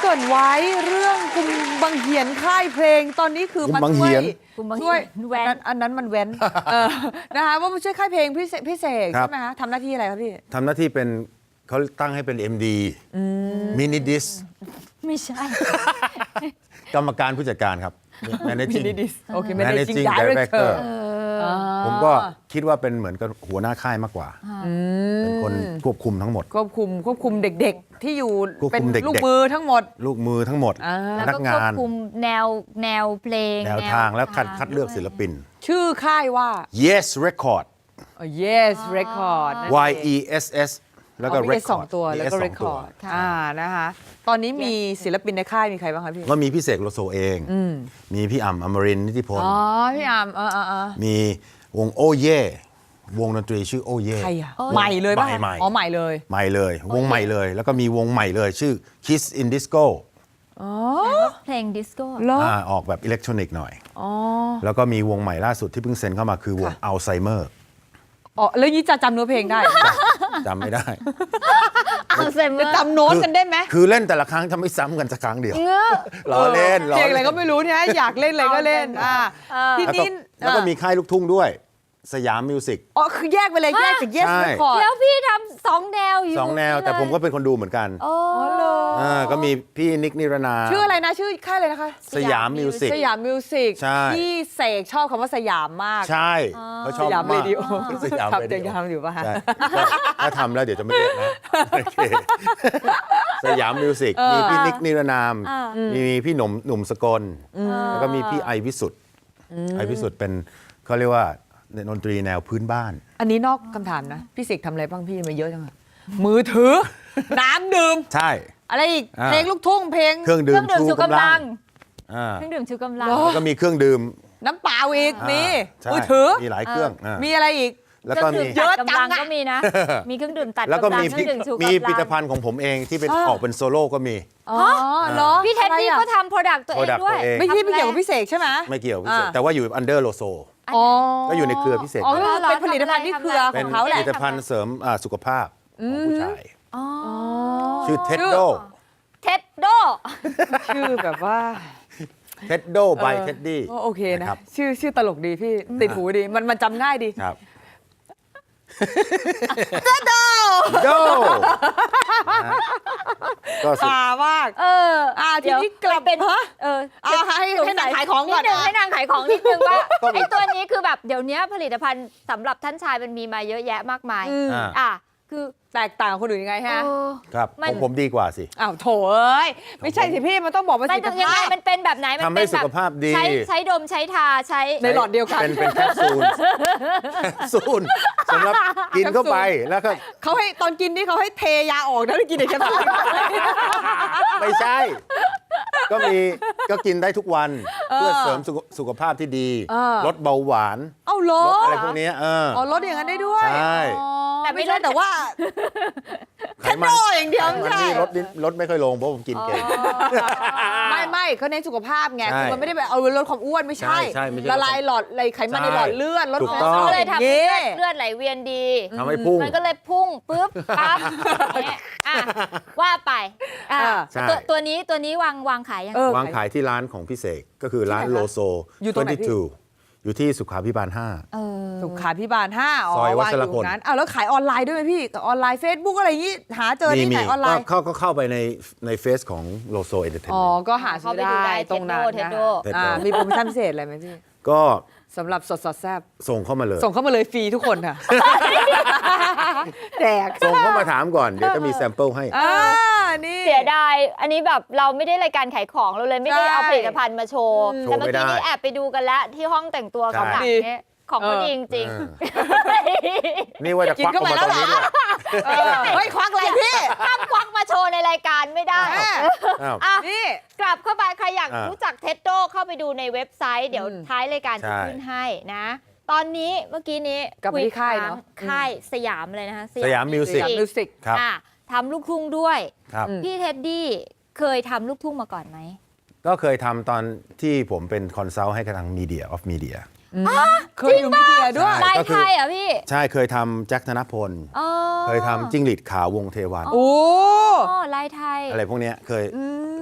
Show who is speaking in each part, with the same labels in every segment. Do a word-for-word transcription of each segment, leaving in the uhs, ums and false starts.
Speaker 1: กริ่นไว้เรื่องกุมบังเหียนค่ายเพลงตอนนี้คือมาช่วยช่วยแว้นอันนั้นมันแว้นเออนะคะว่ามาช่วยค่ายเพลงพี่พี่เสกใช่ไหมคะทำหน้าที่อะไรครับพี่
Speaker 2: ทำหน้าที่เป็นเขาตั้งให้เป็น เอ็ม ดี มินิดิส
Speaker 3: ไม่ใช่
Speaker 2: กรรมการผู้จัดการครับ Managing
Speaker 1: Managing Director
Speaker 2: ผมก็คิดว่าเป็นเหมือนกับหัวหน้าค่ายมากกว่าเป็นคนควบคุมทั้งหมด
Speaker 1: ควบคุมควบคุมเด็กๆที่อยู่เป็นลูกมือทั้งหมด
Speaker 2: ลูกมือทั้งหมด
Speaker 3: พนัก
Speaker 2: งาน
Speaker 3: ควบคุมแนวแนวเพลง
Speaker 2: แนวทางแล้วคัดคัดเลือกศิลปิน
Speaker 1: ชื่อค่ายว่า
Speaker 2: Yes Record
Speaker 1: Yes Record
Speaker 2: Y E S S แล้วก็
Speaker 1: Record สองตัวแล้วก็ Record อ่านะคะตอนนี้มีศิลปินในค่ายมีใครบ้างคะพี่
Speaker 2: ก็มีพี่เสกโลโซเองมีพี่อ่ำอมรินทร์นิติพล
Speaker 1: อ๋อพี่อ่ำเออเออ
Speaker 2: มีวงโอเย่วงดนตรีชื่อโอเย่
Speaker 1: ใครอะใหม่เลยป่ะอ๋อใหม่เลย
Speaker 2: ใหม่เลยวงใหม่เลยแล้วก็มีวงใหม่เลยชื่อ Kiss in Disco
Speaker 1: อ๋อ
Speaker 3: เพลงดิสโก้
Speaker 2: ออกแบบอิเล็กทรอนิกส์หน่อยอ๋อแล้วก็มีวงใหม่ล่าสุดที่เพิ่งเซ็นเข้ามาคือวงอัลไซเมอร์
Speaker 1: อ๋อแล้วยี่จะจำเนื้อเพลงได้
Speaker 2: จำไม่ได้
Speaker 3: อัลไซเมอร์
Speaker 1: จำโน้ตกันได้ไหม
Speaker 2: คือเล่นแต่ละครั้งทำไม่ซ้ำกันสักครั้งเดียวล้อเล่น
Speaker 1: เพลงอะไรก็ไม่รู้เนี่ยอยากเล่นอะไรก็เล่นอ่าทีนี้
Speaker 2: แล้วก็มีค่ายลูกทุ่งด้วยสยามมิวสิก
Speaker 1: อ๋อคือแยกไปเลยแยกจาก Yes Record
Speaker 3: แล้วพี่ทำสองแนวอยู่
Speaker 2: สองแนวแต่ผมก็เป็นคนดูเหมือนกัน
Speaker 3: อ๋อ
Speaker 2: เลยก็มีพี่นิกนิรนา
Speaker 1: ชื่ออะไรนะชื่อค่ายเลยนะคะ
Speaker 2: สยามมิวสิก
Speaker 1: สยามมิวสิกที่เสกชอบคำว่าสยามมาก
Speaker 2: ใช่เขาชอบ
Speaker 1: สยามเรดิโอ
Speaker 2: สยามเรดิโอ
Speaker 1: ทำอยู่ป่ะฮะ
Speaker 2: ถ้าทำแล้วเดี๋ยวจะไม่เรียกนะสยามมิวสิกมีพี่นิกนิรนามมีพี่หนุ่มหนุ่มสกลแล้วก็มีพี่ไอวิสุทธ์ไอวิสุทธ์เป็นเขาเรียกว่าดนตรีแนวพื้นบ้าน
Speaker 1: อันนี้นอกคำถามนะพี่เสกทำอะไรบ้างพี่มาเยอะจังอะมือถือน้ำดื่ม
Speaker 2: ใช่
Speaker 1: อะไรอีกเพลงลูกทุ่งเพลง
Speaker 2: เครื่องดื่มชูกำลัง
Speaker 3: เครื่องดื่มชูกำลัง
Speaker 2: แล้วก็มีเครื่องดื่ม
Speaker 1: น้ำเปล่าอีกมีมือถือ
Speaker 2: มีหลายเครื่อง
Speaker 1: มีอะไรอีก
Speaker 2: แล้วก็มี
Speaker 3: เยอะจังก็มีนะมีเครื่องดื่มตัด
Speaker 2: แล้วก็มีมีผลิตภัณฑ์ของผมเองที่เป็นออกเป็นโซโล่ก็มี
Speaker 1: อ๋อเหรอ
Speaker 3: พี่เท็ดดี้ก็ทำโปรดักต์ตัวเองด้วย
Speaker 1: ไม่ใช่ไม่เกี่ยวกับพี่เสกใช่ไหม
Speaker 2: ไม่เกี่ยวพี่เสกแต่ว่าอยู่อันเดอร์โลโซก็อยู่ในเครือพิเศษ
Speaker 1: เป็นผลิตภัณฑ์ที่เครือของเขาแหละ
Speaker 2: ผลิตภัณฑ์เสริมสุขภาพของผู้ชายชื่อเท็ดโด
Speaker 3: เท็ดโด
Speaker 1: ชื่อแบบว่า
Speaker 2: เท็ดโดบายเท็ดดี้
Speaker 1: โอเคนะชื่อชื่อตลกดีพี่ติดหูดีมันมันจำง่ายดี
Speaker 2: ครับ
Speaker 1: เท็ดโด
Speaker 2: โด
Speaker 1: ก็สามาก
Speaker 3: เออ
Speaker 1: อ่าทีนี้กลับ
Speaker 3: เป็นเออ
Speaker 1: เอาให้ให้นางขายของก่อน
Speaker 3: ให้นางขายของนิดนึงว่าไอ้ตัวนี้คือแบบเดี๋ยวนี้ผลิตภัณฑ์สำหรับท่านชายมันมีมาเยอะแยะมากมายอ่ะคือ
Speaker 1: แตกต่างคนอื่นยังไงฮะ
Speaker 2: ครับผมผมดีกว่าสิ
Speaker 1: อ้าวโถเอ้ยไม่ใช่สิพี่มันต้องบอกว่าสิ
Speaker 3: ยังไงมันเป็นแบบไหน
Speaker 2: มันเป็นสุขภาพดี
Speaker 3: ใช้ใช้ดมใช้ทาใช้
Speaker 1: ในหลอดเดียวกัน
Speaker 2: เป็นเป็นแคปซูลแคปซูลสำหรับกินเข้าไปแล้วก็
Speaker 1: เขาให้ตอนกินนี่เขาให้เทยาออกนะไม่กินเด็กแคปซูล
Speaker 2: ไม่ใช่ก็มีก็กินได้ทุกวันเพื่อเสริมสุขภาพที่ดีลดเบาหวาน
Speaker 1: เอ้าลด
Speaker 2: อะไรพวกนี้เออ
Speaker 1: อ๋อลดอย่างนั้นได้ด้วย
Speaker 2: ใช่
Speaker 1: แต่ไม่ใช่แต่ว่าไขมันอย่างเดียว
Speaker 2: ไม่ใช่ลดลดไม่ค่อยลงเพราะผมกินเก่ง
Speaker 1: ไม่ไม่เขาเน้นสุขภาพไงคือมันไม่ได้แบบเอาลดความอ้วนไม่ใช่ละลายหลอดอะไรไขมันในหลอดเลือดลดคอเลสเตอรอล
Speaker 3: เลยทำให้เลือดไหลเวียนดี
Speaker 2: ทำให้พุ่ง
Speaker 3: มันก็เลยพุ่งปุ๊บปั๊บว่าไปตัวตัวนี้ตัวนี้วางวางขายยัง
Speaker 2: วางขายที่ร้านของพี่เสกก็คือร้านโลโซ
Speaker 1: อยู่ตรงไหนพี่
Speaker 2: อยู่ที่สุขาภิบาลห้า
Speaker 1: สุขาภิบาลห้า
Speaker 2: ซอยวัชรพล
Speaker 1: นั้นอ้าวแล้วขายออนไลน์ด้วยไหมพี่ออนไลน์ Facebook อะไรอย่างงี้หาเจอที่ไหนออนไลน์
Speaker 2: เข้าก็เข้าไปในในเฟซของโลโซเอนเตอร์เทนเมนต์
Speaker 1: อ๋อก็หาซื้อได้ตรงนั้นนะมีโปรโมชั่นพิเศษอะไรไหมพี่
Speaker 2: ก็
Speaker 1: สำหรับสดสดแซ่บ
Speaker 2: ส่งเข้ามาเลย
Speaker 1: ส่งเข้ามาเลยฟรีทุกคนค่ะแจก
Speaker 2: ส่งเข้ามาถามก่อนเดี๋ยวจะมีแซมเปิลให้
Speaker 1: นี่
Speaker 3: เสียดายอันนี้แบบเราไม่ได้รายการขายของเราเลยไม่ได้เอาผลิตภัณฑ์มาโชว์แต่เมื่อกี้นี้แอบไปดูกันแล้วที่ห้องแต่งตัวของหลังนี้ของเขาดีจริง
Speaker 2: ๆนี่ว่าจะควักออกมาตรงนี้ด้วย
Speaker 1: เฮ้ยควักอะไรพี่
Speaker 3: ห้ามควักมาโชว์ในรายการไม่ได้
Speaker 1: นี่
Speaker 3: กลับเข้าไปใครอยากรู้จักเท็ดโดเข้าไปดูในเว็บไซต์เดี๋ยวท้ายรายการจะขึ้นให้นะตอนนี้เมื่อกี้นี้
Speaker 1: คุยค่ายเนาะ
Speaker 3: ค่ายสยามเลยนะคะ
Speaker 2: สยามมิวสิก
Speaker 1: ครับ
Speaker 3: ทำลูกทุ่งด้วยพี่เท็ดดี้เคยทำลูกทุ่งมาก่อนไหม
Speaker 2: ก็เคยทำตอนที่ผมเป็นคอนซัลท์ให้กับทางมีเดียออฟมีเดีย
Speaker 1: เคยอยู่มีเดียด้วย
Speaker 3: ลายไทยอ่ะพี่
Speaker 2: ใช่เคยทำแจ็คธนพลเคยทำจิ้งหรีดขาววงเทวัน
Speaker 1: โอ้
Speaker 3: ลายไทย
Speaker 2: อะไรพวกนี้เคย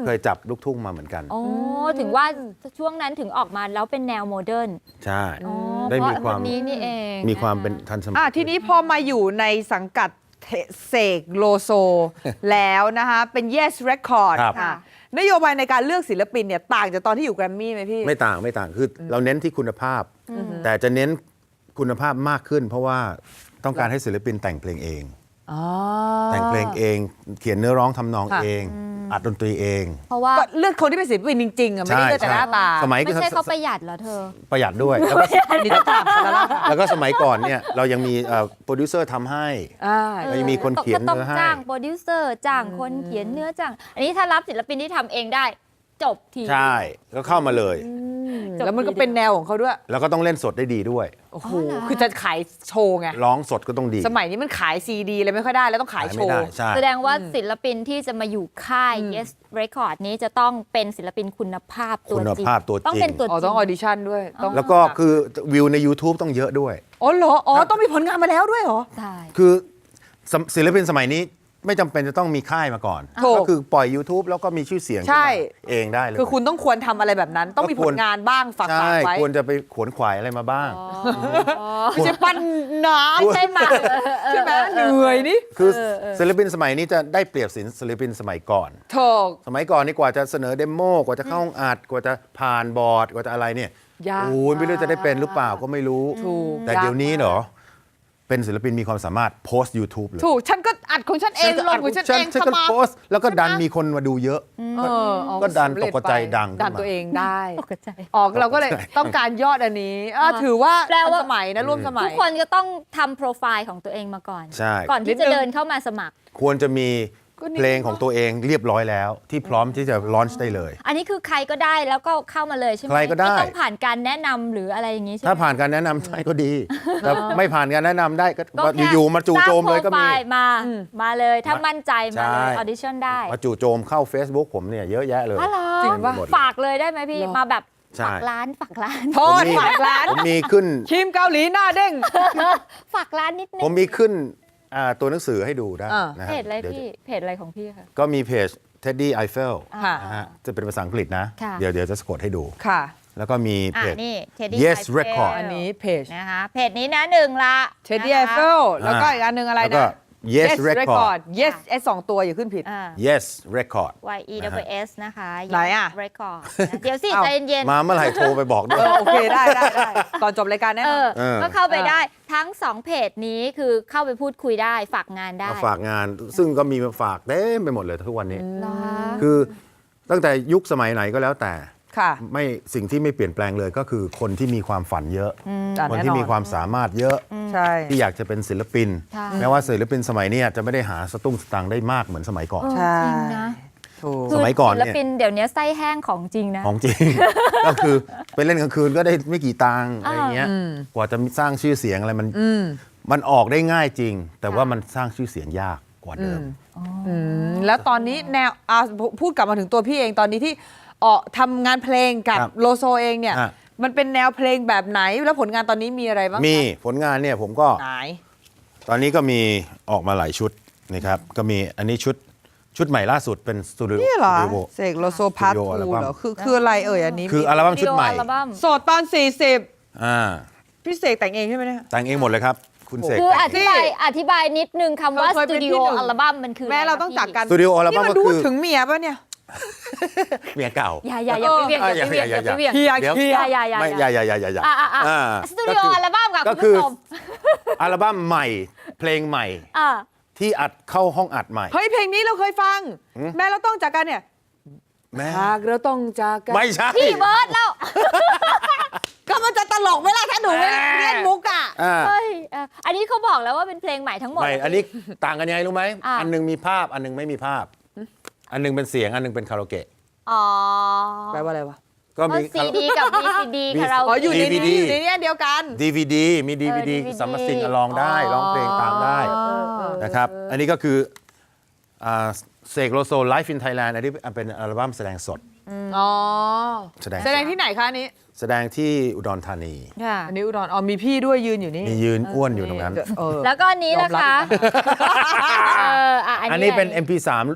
Speaker 2: เคยจับลูกทุ่งมาเหมือนกัน
Speaker 3: โอ้ถึงว่าช่วงนั้นถึงออกมาแล้วเป็นแนวโมเดิร์น
Speaker 2: ใช่
Speaker 3: อ๋อ
Speaker 2: ได้มีความ
Speaker 3: เพระนนี้นี่เอง
Speaker 2: มีความเป็นทันสมัย
Speaker 1: อ่ะทีนี้พอมาอยู่ในสังกัดเสกโลโซ แล้วนะคะเป็น Yes Record
Speaker 2: ครับ
Speaker 1: ค่ะนโยบายในการเลือกศิลปินเนี่ยต่างจากตอนที่อยู่แกรมมี่ไหมพี่
Speaker 2: ไม่ต่างไม่ต่างคือเราเน้นที่คุณภาพ แต่จะเน้นคุณภาพมากขึ้น เพราะว่าต้องการให้ศิลปินแต่งเพลงเอง
Speaker 1: อ๋อ
Speaker 2: แต่งเพลงเอง เขียนเนื้อร้องทำนอง
Speaker 1: ค่ะ
Speaker 2: เอง อัดดนตรีเอง
Speaker 3: เพราะว่า
Speaker 1: ก็เลือกคนที่เป็นศิลปินจริงๆอ่ะไม่ได้เลือกแต่หน้าตา
Speaker 2: สมัย
Speaker 3: ไม่ใช่เขาประหยัดเหรอเธอ
Speaker 2: ประหยัดด้วย แล้วก็
Speaker 1: นี่ต้องถามแล้วล่ะ
Speaker 2: แล้วก็สมัยก่อนเนี่ยเรายังมีโปรดิวเซอร์ทำให้
Speaker 1: อ่า
Speaker 2: แล้วยังมีคนเขียน
Speaker 3: ก็ต้อง
Speaker 2: เนื้อให้
Speaker 3: จ้างโปรดิวเซอร์จ้างคนเขียนเนื้อจ้าง อันนี้ถ้ารับศิลปินที่ทำเองได้ จบที
Speaker 2: ใช่ก็เข้ามาเลย
Speaker 3: จบ
Speaker 1: แล้วมันก็เป็นแนวของเขาด้วย
Speaker 2: แล้วก็ต้องเล่นสดได้ดีด้วย
Speaker 1: โอ้โห
Speaker 3: อ๋อเหรอ
Speaker 1: คือจะขายโชว์ไง
Speaker 2: ร้องสดก็ต้องดี
Speaker 1: สมัยนี้มันขายซีดีเลยไม่ค่อยได้แล้วต้องขายโช
Speaker 2: ไม่ได้
Speaker 1: ว์
Speaker 2: ใช่
Speaker 3: แสดงว่าศิลปินที่จะมาอยู่ค่าย Yes Record นี้จะต้องเป็นศิลปินคุณภาพตัว
Speaker 2: คุณ
Speaker 3: จริง
Speaker 2: ภาพตัวจริง
Speaker 3: ต้องเป็นตัวจ
Speaker 1: อ๋อ
Speaker 3: ริ
Speaker 1: ต้อง
Speaker 3: ง
Speaker 1: ออดิชั่นด้วยต้อง
Speaker 2: แล้วก็คือวิวใน YouTube ต้องเยอะด้วย
Speaker 1: อ๋อเหรออ๋อต้องมีผลงานมาแล้วด้วยเหรอ
Speaker 3: ใช่
Speaker 2: คือสมศิลปินสมัยนี้ไม่จำเป็นจะต้องมีค่ายมาก่อน
Speaker 1: ถูก
Speaker 2: ก็คือปล่อย YouTube แล้วก็มีชื่อเสียงขึ้น
Speaker 1: ใช่
Speaker 2: มาเองได้เลย
Speaker 1: คือคุณต้องควรทำอะไรแบบนั้น ต้องมีผลงานบ้างฝาก
Speaker 2: ใช่
Speaker 1: ฝากไว้
Speaker 2: ควรจะไปขวนขวายอะไรมาบ้าง
Speaker 1: ไม่ใช่ปั้นน้
Speaker 3: ไม่ใช่หมา
Speaker 1: ำใช่ไหมเหนื่อยนี่
Speaker 2: คือศิลปินสมัยนี้จะได้เปรียบศิลปินสมัยก่อน
Speaker 1: ถูก
Speaker 2: สมัยก่อนนี่กว่าจะเสนอเดโมกว่าจะเข้าห้องอัดกว่าจะผ่านบอร์ดกว่าจะอะไรเนี่ย
Speaker 1: ยาก
Speaker 2: โอ้ยไม่รู้จะได้เป็นหรือเปล่าก็ไม่รู้
Speaker 1: ถูก
Speaker 2: แต่เดี๋ยวนี้เหรอเป็นศิลปินมีความสามารถโพสต์ YouTube เลย
Speaker 1: ถูก ฉันก็อัดของฉันเองลงของฉันเอง
Speaker 2: ฉัน
Speaker 1: ส
Speaker 2: ก็
Speaker 1: มัคร
Speaker 2: โพสต์แล้วก็ดันมีคนมาดูเยอะ
Speaker 1: เออเอา
Speaker 2: ก็ดัน
Speaker 1: สำเร็จ
Speaker 2: ตกใจ
Speaker 1: ไป
Speaker 2: ดังขึ้นมา
Speaker 1: ดันตัวเองได้
Speaker 3: ตกใจ
Speaker 1: ออกเราก็เลยต้องการยอดอันนี้อ่ะถือว่า
Speaker 3: แปลว่า
Speaker 1: ทันสมัยนะร่วมสมั
Speaker 3: ทุ
Speaker 1: ย
Speaker 3: กคนจะต้องทำโปรไฟล์ของตัวเองมาก่อน
Speaker 2: ใช่
Speaker 3: ก่อน
Speaker 1: นิ
Speaker 3: ที่
Speaker 1: ด
Speaker 3: จะ
Speaker 1: นึง
Speaker 3: เดินเข้ามาสมัคร
Speaker 2: ควรจะมี
Speaker 1: ก็นี่
Speaker 2: เพลงของตัวเองเรียบร้อยแล้ว ที่พร้อมที่จะลอนช์ได้เลย
Speaker 3: อันนี้คือใครก็ได้แล้วก็เข้ามาเลยใช่ไหม
Speaker 2: ใครก็ได้
Speaker 3: ม่ต้องผ่านการแนะนำหรืออะไรอย่างนี้ใช่ไหม
Speaker 2: ถ้าผ่านการแนะนำได้ก็ดีแต่ไม่ผ่านการแนะนำได้ก็
Speaker 3: ก็แค่
Speaker 2: อยู่ๆมาจู่โจมเลยก็
Speaker 3: สร้างโปร
Speaker 2: มี
Speaker 3: ไฟล์มา มาเลยถ้ามั่นใจมาเลย
Speaker 2: ใช่
Speaker 3: ออดิชั่นได้
Speaker 2: มาจู่โจมเข้า Facebook ผมเนี่ยเยอะแยะเลย
Speaker 3: อ๋อเหรอ
Speaker 1: จริงปะ
Speaker 2: หมดเลย
Speaker 3: ฝากเลยได้ไหมพี่
Speaker 1: เหรอ
Speaker 3: มาแบบ
Speaker 2: ใช่
Speaker 3: ฝากร้านฝากร้าน
Speaker 1: โทษฝากร้าน
Speaker 2: ผมมีขึ้น
Speaker 1: ทีมเกาหลีหน้าเด้ง
Speaker 3: ฝากร้านนิดนึ
Speaker 2: ผม
Speaker 3: ง
Speaker 2: มีขึ้นอ่าตัวหนังสือให้ดูได้
Speaker 1: อ่า
Speaker 2: นะ
Speaker 3: เพ
Speaker 2: ฮะ
Speaker 3: จอะไร
Speaker 2: เดี๋ยว
Speaker 3: พี่เพจอะไรของพี่คะ
Speaker 2: ก็มีเพจ Teddy Eiffel
Speaker 1: ค่ะ
Speaker 2: นะฮะจะเป็นภาษาอังกฤษนะ
Speaker 3: ค่ะ
Speaker 2: เดี๋ยวเดี๋ยวจะสะกดให้ดู
Speaker 1: ค่ะ
Speaker 2: แล้วก็มี
Speaker 3: อ่า
Speaker 2: เพจ
Speaker 3: นี่ Teddy
Speaker 2: Yes
Speaker 3: Eiffel
Speaker 2: Record
Speaker 1: อันนี้เพจ
Speaker 3: นะคะเพจนี้นะหนึ่งละ
Speaker 1: เทดดี้ไอ
Speaker 3: นะคะ
Speaker 1: เฟลแล้วก็อีกอันหนึ่งอะไร
Speaker 2: แล้วก็
Speaker 1: นะ
Speaker 2: Yes Record
Speaker 1: Yes ไอสองตัวอย่าขึ้นผิด
Speaker 3: อ่า
Speaker 2: Yes Record
Speaker 3: Y E W S นะคะ
Speaker 1: ไหนอะ
Speaker 3: Yes Record นะเดี๋ยวสิ
Speaker 1: เอ้า
Speaker 3: ใจเย็นๆ
Speaker 2: มาเมื่อไหร่โทรไปบอกด้
Speaker 1: เอ
Speaker 2: วย
Speaker 1: อโอเคได้ได้ได้ก่อนจบรายการแน่
Speaker 3: เอน
Speaker 1: อ
Speaker 3: อน
Speaker 2: เออ
Speaker 3: ก็เข้าไป
Speaker 1: เออ
Speaker 3: ได้ทั้งสองเพจนี้คือเข้าไปพูดคุยได้ฝากงานได้
Speaker 2: มาฝากงาน ซึ่งก็มีมาฝากเต็มไปหมดเลยทุกวันนี้
Speaker 3: เหรอ
Speaker 2: คือตั้งแต่ยุคสมัยไหนก็แล้วแต่
Speaker 1: ค่ะ
Speaker 2: ไม่สิ่งที่ไม่เปลี่ยนแปลงเลยก็คือคนที่มีความฝันเยอะ
Speaker 1: อ่ะ
Speaker 2: คน
Speaker 1: แน่
Speaker 2: ที่
Speaker 1: นอน
Speaker 2: มีความสามารถเยอะ
Speaker 1: ใช่
Speaker 2: ที่อยากจะเป็นศิลปิน
Speaker 3: ใช่
Speaker 2: แม้ว่าศิลปินสมัยนี้จะไม่ได้หาสตุ้งสตางค์ได้มากเหมือนสมัยก่อน
Speaker 1: ใช่
Speaker 3: จริงนะ
Speaker 1: ถูก
Speaker 2: สมัยก่อนเนี่ย
Speaker 3: ศิลปินเดี๋ยวนี้ไส้แห้งของจริงนะ
Speaker 2: ของจริง ก็คือไปเล่นกลางคืนก็ได้ไม่กี่ตังค์อะไรเงี้ย
Speaker 1: อืม
Speaker 2: กว่าจะสร้างชื่อเสียงอะไรมัน
Speaker 1: อืม
Speaker 2: มันออกได้ง่ายจริง แต่ว่า
Speaker 3: ค่ะ
Speaker 2: มันสร้างชื่อเสียงยากกว่าเดิม
Speaker 1: อืมแล้วตอนนี้แนวอ่ะพูดกลับมาถึงตัวพี่เองตอนนี้ที่ออกทำงานเพลงกับ
Speaker 2: ครับ
Speaker 1: โลโซเองเนี่ย
Speaker 2: อ่ะ
Speaker 1: มันเป็นแนวเพลงแบบไหนแล้วผลงานตอนนี้มีอะไรบ้าง
Speaker 2: มีผลงานเนี่ยผมก็
Speaker 1: ไหน
Speaker 2: ตอนนี้ก็มีออกมาหลายชุดนะครับก็มีอันนี้ชุดชุดใหม่ล่าสุดเป็นสตูดิโอ
Speaker 1: นี่เหรอ
Speaker 2: สตูดิโอ
Speaker 1: เสกโลโซพาร์ท
Speaker 2: สตูดิโออัล
Speaker 1: ทู
Speaker 2: บั้ม
Speaker 1: เหรอคือคืออะไรเอ่ยอันนี้
Speaker 2: คืออัลบั้มชุดใหม่
Speaker 3: วิดีโออัลบั้ม
Speaker 1: โสดตอนสี่สิบ
Speaker 2: อ่า
Speaker 1: พี่เสกแต่งเองใช่ไหมเนี่ย
Speaker 2: แต่งเองหมดเลยครับ คุณเสก
Speaker 3: คืออ
Speaker 2: แต่ง
Speaker 3: ธิบายอธิบายนิดนึงคำว่า
Speaker 1: เค
Speaker 3: ส
Speaker 1: ยเป็น
Speaker 3: ตูดิ
Speaker 1: ที่
Speaker 3: โอ
Speaker 1: หนึ่ง
Speaker 3: อัลบั้มมันคือ
Speaker 1: แม่เรา
Speaker 3: ะไ
Speaker 1: ต้องจากกัน
Speaker 2: สตูดิโออัลบั้ม
Speaker 1: นี่
Speaker 2: ก็
Speaker 1: นดู
Speaker 2: คือ
Speaker 1: ถึงเมียป่ะเนี่ย
Speaker 2: เมียเก่า
Speaker 3: อย่าอย่าอย่าไปเวียงอย่าไปเวียงอย่าไปเวียง
Speaker 1: เฮีย
Speaker 2: เดี๋ยว
Speaker 1: เฮีย
Speaker 3: อย่าอย่าอย่า
Speaker 2: ไม่อย่าอย่าอย่าอย่าอย่า
Speaker 3: อ่ะอ่ะอ่ะ
Speaker 2: อ่า
Speaker 3: สตูดิโออัลบั้มค่ะ
Speaker 2: ก็
Speaker 3: คุณ
Speaker 2: คือ
Speaker 3: ผู้ชม
Speaker 2: อัลบั้มใหม่เพลงใหม่
Speaker 3: อ่ะ
Speaker 2: ที่อัดเข้าห้องอัดใหม่
Speaker 1: เฮ้ยเพลงนี้เราเคยฟัง แม่เราต้องจากกันเนี่ย
Speaker 2: แม่
Speaker 1: หากเราต้องจากกัน
Speaker 2: ไม่ใช่
Speaker 3: พี่เบิร์ดแล้ว
Speaker 1: ก็มันจะตลกไหมล่ะถ้าหนูไม่เล่นมุกอ่ะ
Speaker 2: อ่า
Speaker 3: เฮ้ยอ่ะอันนี้เขาบอกแล้วว่าเป็นเพลงใหม่ทั้งหมด
Speaker 2: ไม่อันนี้ต่างกันยังไงรู้ไหม
Speaker 3: อ่ะ
Speaker 2: อันหนึงมีภาพอันหนึงไม่มีภาพ อันหนึงเป็นเสียงอันหนึงเป็นคาราโอเกะ
Speaker 3: อ๋อ
Speaker 1: แปลว่าอะไรวะ
Speaker 2: ก็มี
Speaker 3: ซีดีกับ วี ซี ดี
Speaker 2: มี
Speaker 3: คาราโอ
Speaker 1: อ๋อ
Speaker 3: เกะ
Speaker 1: อยู่ใน
Speaker 2: ดี
Speaker 1: นี้
Speaker 2: วีดี
Speaker 1: อยู่ในนี้อันเดียวกัน
Speaker 2: ดีวีดีมีดีวีดี
Speaker 3: เออ
Speaker 2: สามารถซิง
Speaker 3: ดีวีดี
Speaker 2: ร้องได้ร้องเพลงตามได้
Speaker 3: เออเออ
Speaker 2: นะครับอันนี้ก็คืออ่าเสกโลโซ Live in Thailand อันนี้เป็นอัลบั้มแสดงสด
Speaker 1: อ๋อ
Speaker 2: แสดง
Speaker 1: แสดงที่ไหนคะอันนี้
Speaker 2: แสดงที่อุดรธานี
Speaker 3: ค่ะ
Speaker 1: อันนี้อุดรอ๋อมีพี่ด้วยยืนอยู่นี่
Speaker 2: มียืนอ้วนอยู่ตรงนั้น
Speaker 1: เออ
Speaker 3: แล้วก็อันนี้นะคะเอออ่ะ
Speaker 2: อันนี้เป็น
Speaker 3: ะไร
Speaker 2: เอ็ม พี สาม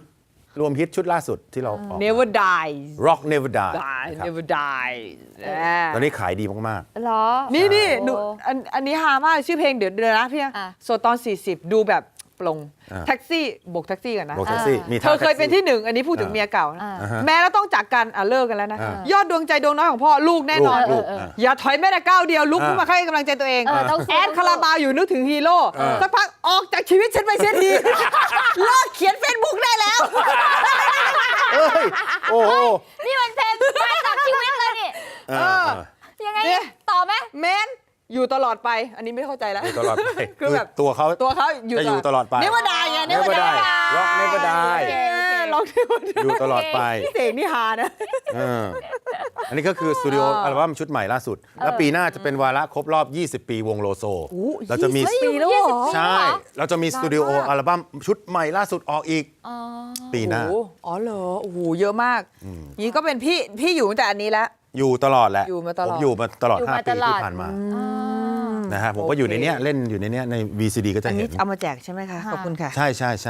Speaker 2: รวมฮิตชุดล่าสุดที่เราออก
Speaker 1: Never Die
Speaker 2: Rock Never Die
Speaker 1: Die
Speaker 2: ครับ
Speaker 1: Never Die
Speaker 2: ตอนนี้ขายดีมาก
Speaker 3: เหรอ
Speaker 1: นี่นี่หนู
Speaker 3: โอ้
Speaker 1: อันอันนี้ฮามากชื่อเพลงเดี๋ยวเดี๋ยวนะพี่
Speaker 3: อ่ะ
Speaker 1: โซตอน สี่สิบ ดูแบบปลง
Speaker 2: อ่า
Speaker 1: แท็กซี่โบกแท็กซี่กันนะ
Speaker 2: ๆโบกแท็กซี่มี
Speaker 1: เธอเคยเป็นที่หนึ่งอันนี้พูดถึงเมียเก่านะ
Speaker 3: อ่า
Speaker 1: แม้แล้วต้องจากกันอ่ะเลิกกันแล้วนะ
Speaker 2: อ่าย
Speaker 1: อดดวงใจดวงน้อยของพ่อลูกแน่นอน
Speaker 2: ลูก
Speaker 3: เออเออ
Speaker 2: อ่ะ
Speaker 1: อย่าถอยแม้แต่ก้าวเดียวลุกขึ้น
Speaker 2: อ่าม
Speaker 1: มาให้กำลังใจตัวเอง
Speaker 3: เออต้องสู้
Speaker 1: แอดคาราบาวอยู่นึกถึงฮีโร่
Speaker 2: เออ
Speaker 1: สักพักออกจากชีวิตฉันไปเสียที เลิกเขียนเฟซบุ๊กได้แล้ว
Speaker 2: เอ้ยโอ้โห
Speaker 3: นี่มันเพลงมาจากชีวิตเลยนี่
Speaker 2: เออ
Speaker 3: ยังไง
Speaker 1: เนี่ย
Speaker 3: ต่อไหม
Speaker 1: แมนอยู่ตลอดไป อันนี้ไม่เข้าใจแล้ว
Speaker 2: อยู่ตลอดไป
Speaker 1: คือแบบ
Speaker 2: ตัวเขา
Speaker 1: ตัวเขาอยู่
Speaker 2: จะอยู่ตลอดไป
Speaker 1: เนว่าได้ไงเน
Speaker 2: Never
Speaker 1: ว่าได้
Speaker 2: Die Rock Never Die
Speaker 3: โอเคโอเค
Speaker 1: ลองเนว่าได้
Speaker 2: อยู่ตลอดไป
Speaker 1: เสกนี่ฮานะ
Speaker 2: เอออันนี้ก็คือสตูดิโออัลบั้มชุดใหม่ล่าสุด แล้วปีหน้าจะเป็นวาระครบรอบ ยี่สิบ ปีวงโลโซ เราจะมี
Speaker 1: ยี่สิบปีแล้วเหรอ
Speaker 2: ใช่ เราจะมีสตูดิโออัลบั้มชุดใหม่ล่าสุดออกอีก
Speaker 3: อ๋อ
Speaker 2: ปีหน้า
Speaker 1: โอ้โอ๋อเหรอโอ้โหเยอะมากนี่ก็เป็นพี่พี่อยู่ตั้งแต่อันนี้แล้ว
Speaker 2: อยู่ตลอดแหละ
Speaker 1: อยู่มาตลอด
Speaker 2: ผมอยู่มาตลอด
Speaker 3: อยู่
Speaker 2: ห้า
Speaker 3: มา
Speaker 2: ปี
Speaker 3: ตลอด
Speaker 2: ที่ผ่านมา
Speaker 3: อ่า
Speaker 2: นะฮะผมก็อยู่ในเนี้ยเล่นอยู่ในเนี้ยใน วี ซี ดี ก็จะ
Speaker 1: อัน
Speaker 2: เห็
Speaker 1: นี้
Speaker 2: น
Speaker 1: เอามาแจกใช่ไหมคะ ขอบคุณค่ะ
Speaker 2: ใช่ใช่ใช่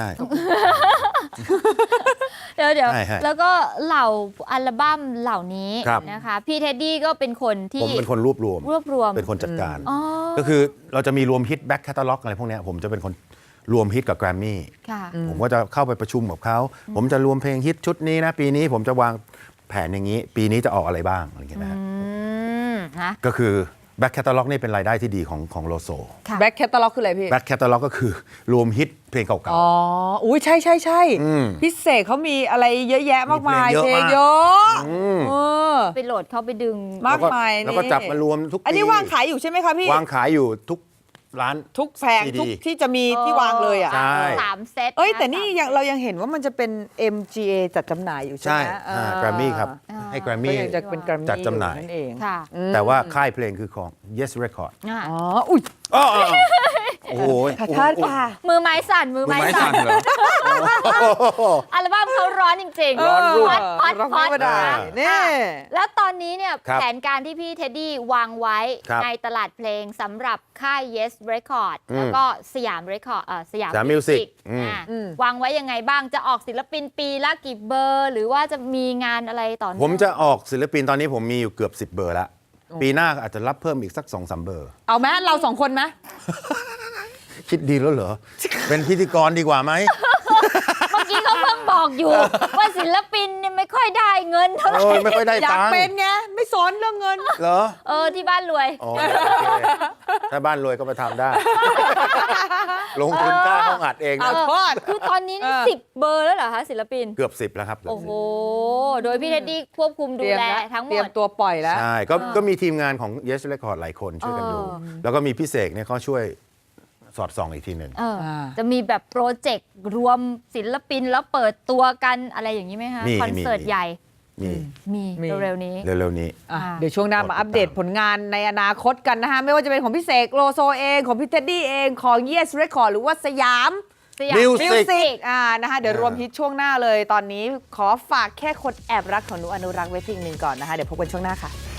Speaker 3: เดี๋ยวเดี๋ยว
Speaker 2: ใช่ใช่
Speaker 3: แล้วก็เหล่าอัลบั้มเหล่านี้
Speaker 2: ครับ
Speaker 3: นะคะพี่เท็ดดี้ก็เป็นคน
Speaker 2: ผม
Speaker 3: ที่
Speaker 2: เป็นคนรวบรวม
Speaker 3: รวบรวม
Speaker 2: เป็นคนจัดการ
Speaker 3: อ๋อ
Speaker 2: ก็คือเราจะมีรวมฮิตแบ็คแคตตาล็อกอะไรพวกเนี้ยผมจะเป็นคนรวมฮิตกับแกรมมี่
Speaker 3: ค่ะ
Speaker 2: ผมก็จะเข้าไปประชุมกับเขา ผมจะรวมเพลงฮิตชุดนี้นะ ปีนี้ผมจะวางแผนอย่างนี้ ปีนี้จะออกอะไรบ้างอะไรอย่างเงี้ยนะฮะ
Speaker 3: อืมนะ
Speaker 2: ก็คือแบ็คแคตตาล็อกนี่เป็นรายได้ที่ดีของของโลโซ
Speaker 3: ค่ะ
Speaker 1: แบ็คแคตตาล็อกคืออะไรพี่
Speaker 2: แบ็คแคตตาล็อกก็คือรวมฮิตเพลงเก่า
Speaker 1: อ๋อ อุ้ยใช่ใช่ใช่
Speaker 2: อืม
Speaker 1: พี่เสกเขามีอะไรเยอะแยะมากมาย
Speaker 2: มีเพลงเยอะมาก
Speaker 1: เยอะ
Speaker 2: ๆอืม
Speaker 1: เออ
Speaker 3: ไปโหลดเข้าไปดึง
Speaker 1: มาก
Speaker 2: แล้ว
Speaker 1: มาย
Speaker 2: แล้วก็
Speaker 1: นี่
Speaker 2: จับมารวมทุกปี
Speaker 1: อันนี้วางขายอยู่ใช่ไหมคะพี่
Speaker 2: วางขายอยู่ทุกร้าน
Speaker 1: ทุกแผง
Speaker 2: ซีดี
Speaker 1: ทุกที่จะมีที่วางเลยอ่ะ
Speaker 2: ใช่
Speaker 3: สามเซต
Speaker 1: เอ้ย
Speaker 3: ะ
Speaker 1: แต่นี่
Speaker 3: สาม
Speaker 1: ยังเรายังเห็นว่ามันจะเป็น เอ็ม จี เอ จัดจำหน่ายอยู่ใช่
Speaker 2: ใช่
Speaker 1: ไหม
Speaker 2: แกรมมี่ครับ
Speaker 3: อ่า
Speaker 2: ให้แกรม
Speaker 1: ก็
Speaker 2: มี่
Speaker 1: ยังจะเป็นแกรมมี่
Speaker 2: จัดจำหน่าย
Speaker 1: นั่นเอง
Speaker 3: ค่ะ
Speaker 2: แต่ว่าค่ายเพลงคือของ Yes Record
Speaker 3: อ่ะ
Speaker 1: อ๋อ อุ้ย
Speaker 2: อ้ออ้ออ้อโอ้โห
Speaker 1: ขอโทษค่ะ
Speaker 3: มือไม้สั่นมือ
Speaker 2: มือ
Speaker 3: ไม้
Speaker 2: ไม้
Speaker 3: สั่
Speaker 2: สั่
Speaker 3: น
Speaker 2: นเหรอ
Speaker 3: อัลบั้มเขาร้อนจริงๆ
Speaker 2: ร้อนรุ่ม
Speaker 3: ฮอตฮอต
Speaker 1: ร้อง
Speaker 3: ฮอต
Speaker 1: ไม่ได้
Speaker 3: นะ
Speaker 1: นี่
Speaker 3: อ่ะแล้วตอนนี้เนี่ย
Speaker 2: ครับ
Speaker 3: แผนการที่พี่เท็ดดี้วางไว้
Speaker 2: ครับ
Speaker 3: ในตลาดเพลงสำหรับค่าย Yes Record
Speaker 2: อืม
Speaker 3: แล้วก็สยาม Record เอ่อสยาม
Speaker 2: สยาม Music
Speaker 3: Music
Speaker 2: อืม
Speaker 3: อ่ะ
Speaker 1: อืม
Speaker 3: วางไว้ยังไงบ้างจะออกศิลปินปีละกี่เบอร์ หรือว่าจะมีงานอะไรต่อเนื่อง
Speaker 2: ผมจะออกศิลปินตอนนี้ผมมีอยู่เกือบ สิบ เบอร์แล้ว ปีหน้าอาจจะรับเพิ่มอีกสัก สองสาม เบอร์
Speaker 1: เอาไหมเราสองคนไหม
Speaker 2: คิดดีแล้วเหรอ เป็นพิธีกรดีกว่าไหม
Speaker 3: เมื่อกี้เขาเพิ่งบอกอยู่ ว่าศิลปินเนี่ยไม่ค่อยได้เงินเท่าไหร่
Speaker 2: เออไม่ค่อยได้
Speaker 1: อยาก
Speaker 2: ตังค์
Speaker 1: เป็นไง ไม่สนเรื่องเงิน
Speaker 2: เหรอ
Speaker 3: เออที่บ้านรวย
Speaker 2: อ๋อโอเคถ้าบ้านรวยก็ไปทำได้ ลงทุนค่าห้องอัดเอง
Speaker 1: เอา
Speaker 2: นะ
Speaker 1: โทษ
Speaker 3: คือตอนนี้นี่
Speaker 1: เออ
Speaker 3: สิบเบอร์แล้วเหรอคะศิลปิน
Speaker 2: เกือบสิบแล้วครับ
Speaker 3: โอ้โห โดยพี่เท็ดดี้ควบคุมดู
Speaker 1: เตรียม
Speaker 3: แล
Speaker 1: แล้ว
Speaker 3: ทั้งห
Speaker 1: เต
Speaker 3: ม
Speaker 1: รียม
Speaker 3: ด
Speaker 1: ตัวปล่อยแล้ว
Speaker 2: ใช่ก็ก็มีทีมงานของ Yes Record หลายคนช่วยกันดู
Speaker 3: เออ
Speaker 2: แล้วก็มีพี่เสกเนี่ยเขาช่วยสอดส่องอีกทีหนึ่ง
Speaker 3: เออ
Speaker 1: อ่า
Speaker 3: จะมีแบบโปรเจกต์รวมศิลปินแล้วเปิดตัวกันอะไรอย่างนี้ไหมคะ
Speaker 2: มี
Speaker 3: คอนเสิร์ต
Speaker 2: มี
Speaker 3: ใหญ่
Speaker 2: นี่
Speaker 3: มี
Speaker 1: มี
Speaker 3: เร็วๆนี้
Speaker 2: เร็วๆนี้
Speaker 1: อ่ะ
Speaker 3: อ่า
Speaker 1: เดี๋ยวช่วงหน้ามาอัปเดตผลงานในอนาคตกันนะคะ ไม่ว่าจะเป็นของพี่เสกโลโซเอง ของพี่เท็ดดี้เอง ของ Yes Record หรือว่าสยาม
Speaker 3: สยาม
Speaker 2: Music
Speaker 1: มิวสิกอ่านะคะ เดี๋ยว
Speaker 2: อ่าร
Speaker 1: วมฮิตช่วงหน้าเลย ตอนนี้ขอฝากแค่คนแอบรักของหนูอนุรักษ์ไว้เพลงหนึ่งก่อนนะคะ เดี๋ยวพบกันช่วงหน้าค่ะ